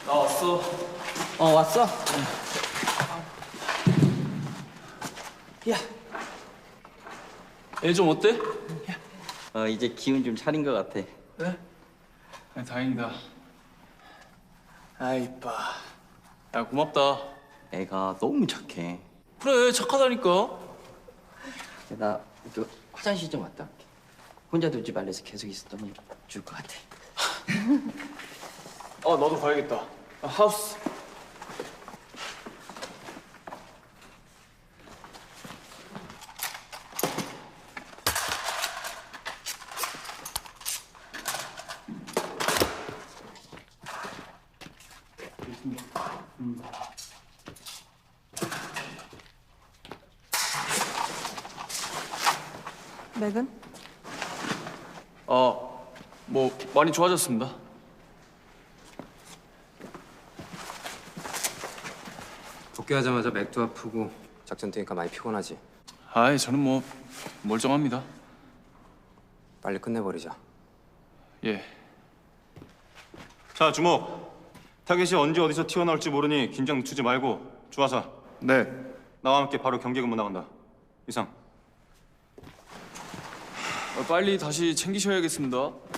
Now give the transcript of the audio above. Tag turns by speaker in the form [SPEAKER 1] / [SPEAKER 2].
[SPEAKER 1] 나 왔어.
[SPEAKER 2] 왔어? 야,
[SPEAKER 1] 애 좀 어때?
[SPEAKER 2] 이제 기운 좀 차린 것 같아.
[SPEAKER 1] 그래? 다행이다. 아이 이뻐. 야 고맙다.
[SPEAKER 2] 애가 너무 착해.
[SPEAKER 1] 그래 착하다니까.
[SPEAKER 2] 나 화장실 좀 갔다 올게. 혼자 두지 말래서 계속 있었더니 죽을 것 같아.
[SPEAKER 1] 나도 가야겠다. 하우스.
[SPEAKER 3] 맥은?
[SPEAKER 1] 뭐 많이 좋아졌습니다.
[SPEAKER 4] 복귀하자마자 맥도 아프고 작전 뛰니까 많이 피곤하지.
[SPEAKER 1] 아이 저는 뭐 멀쩡합니다.
[SPEAKER 4] 빨리 끝내버리자.
[SPEAKER 1] 예.
[SPEAKER 5] 자, 주목. 타겟이 언제 어디서 튀어나올지 모르니 긴장 늦추지 말고 주하사
[SPEAKER 1] 네.
[SPEAKER 5] 나와 함께 바로 경계 근무 나간다. 이상.
[SPEAKER 1] 빨리 다시 챙기셔야겠습니다.